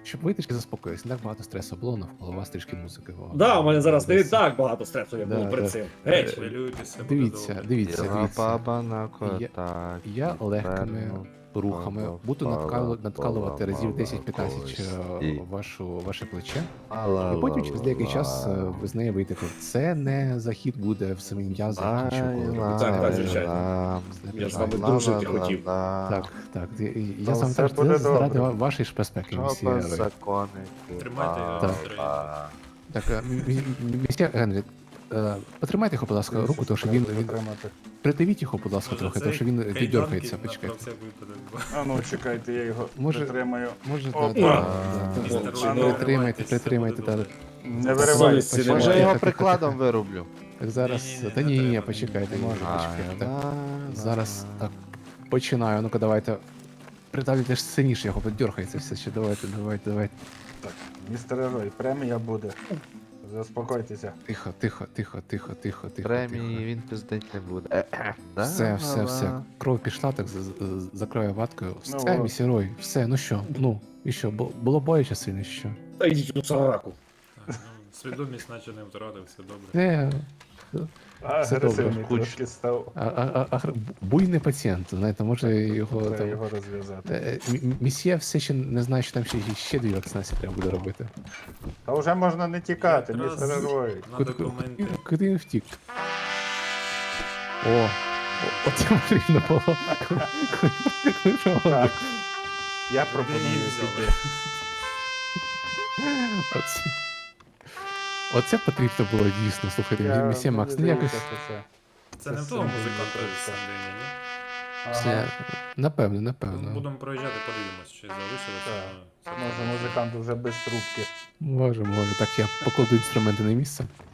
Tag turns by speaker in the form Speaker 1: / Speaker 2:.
Speaker 1: щоб ви трішки заспокоїлися, не так багато стресу було навколо вас, трішки музики.
Speaker 2: Да, у мене зараз не
Speaker 1: Десь.
Speaker 2: так багато стресу, як
Speaker 1: Да,
Speaker 2: було перед
Speaker 1: да.
Speaker 2: цим. Геть!
Speaker 3: Хвилюйтеся, буде
Speaker 1: Дивіться,
Speaker 3: добре.
Speaker 1: дивіться,
Speaker 4: Біла
Speaker 1: дивіться.
Speaker 4: баба на кота.
Speaker 1: Я легкими рухами буду надкалувати разів 10-15 ваше плече. І потім через деякий час ви з неї вийдете. Це не захід буде в самі м'язи, нічого коли робити.
Speaker 2: Так, так,
Speaker 1: Це-
Speaker 2: звичайно.
Speaker 1: це
Speaker 2: Я з вами
Speaker 1: неправильно.
Speaker 2: дружити хотів.
Speaker 1: Так, так. Я
Speaker 4: Та
Speaker 1: саме
Speaker 4: все
Speaker 1: теж
Speaker 4: буде
Speaker 1: заради
Speaker 4: добре.
Speaker 1: вашої ж безпеки, місія
Speaker 4: Чопа
Speaker 1: Герой.
Speaker 4: законнику.
Speaker 3: Тримайте його
Speaker 1: Так.
Speaker 3: настроєння.
Speaker 1: Так, місія Генрі, потримайте його, будь ласка, руку, тому що він придавіть його, будь ласка, трохи, тому що він віддергається, почекайте.
Speaker 5: А ну чекайте, я його
Speaker 1: Може-
Speaker 5: притримаю.
Speaker 1: Може,
Speaker 5: Опа.
Speaker 1: притримайте, так.
Speaker 5: Не виривай.
Speaker 2: Совісті немає.
Speaker 4: Може я його
Speaker 1: Тихо,
Speaker 4: прикладом вирублю.
Speaker 1: Так зараз,
Speaker 3: Ні-ні-ні,
Speaker 1: та
Speaker 3: не
Speaker 1: ні,
Speaker 3: треба.
Speaker 1: почекайте, може,
Speaker 4: А,
Speaker 1: почекайте. Так,
Speaker 4: да,
Speaker 1: зараз,
Speaker 4: да.
Speaker 1: так, починаю, ну-ка, давайте. Придавлюйте ж сильніше, його дергається все ще, давайте.
Speaker 5: Так, містер Герой, премія буде. Заспокойтеся.
Speaker 1: Тихо.
Speaker 4: Премії він пиздить не буде. Да,
Speaker 1: Все.
Speaker 4: да.
Speaker 1: Кров пішла, так закриваю ваткою.
Speaker 5: Ну,
Speaker 1: Все,
Speaker 5: от.
Speaker 1: місірой, все, ну що, і що, було боляче сильно, що?
Speaker 2: Та йдіть у сараку.
Speaker 3: Свідомість наче не втратив, все добре.
Speaker 1: Не, Все
Speaker 5: Агресивний
Speaker 1: добре.
Speaker 5: трошки став.
Speaker 1: буйний пацієнт, знаєте, може його
Speaker 5: Треба
Speaker 1: там...
Speaker 5: його розв'язати.
Speaker 1: Місьє все ще не знає, що там ще дві вакцинації треба буде робити.
Speaker 5: Та вже можна не тікати,
Speaker 3: Якраз
Speaker 5: містер Герой.
Speaker 3: На документи.
Speaker 1: Куди він втік? Оце потрібно було.
Speaker 5: Так. Я
Speaker 3: Куди
Speaker 5: пропоную
Speaker 3: її взяли?
Speaker 5: піти.
Speaker 1: Оце потрібно було дійсно, слухайте, місьє Макс, ну якось...
Speaker 3: Це не в того музиканта з Сандині, ні?
Speaker 1: Все, напевно.
Speaker 3: Ну, будемо проїжджати, подивимось, чи залишилося.
Speaker 5: Може музикант вже без трубки.
Speaker 1: Може. Так, я покладу інструменти на місце.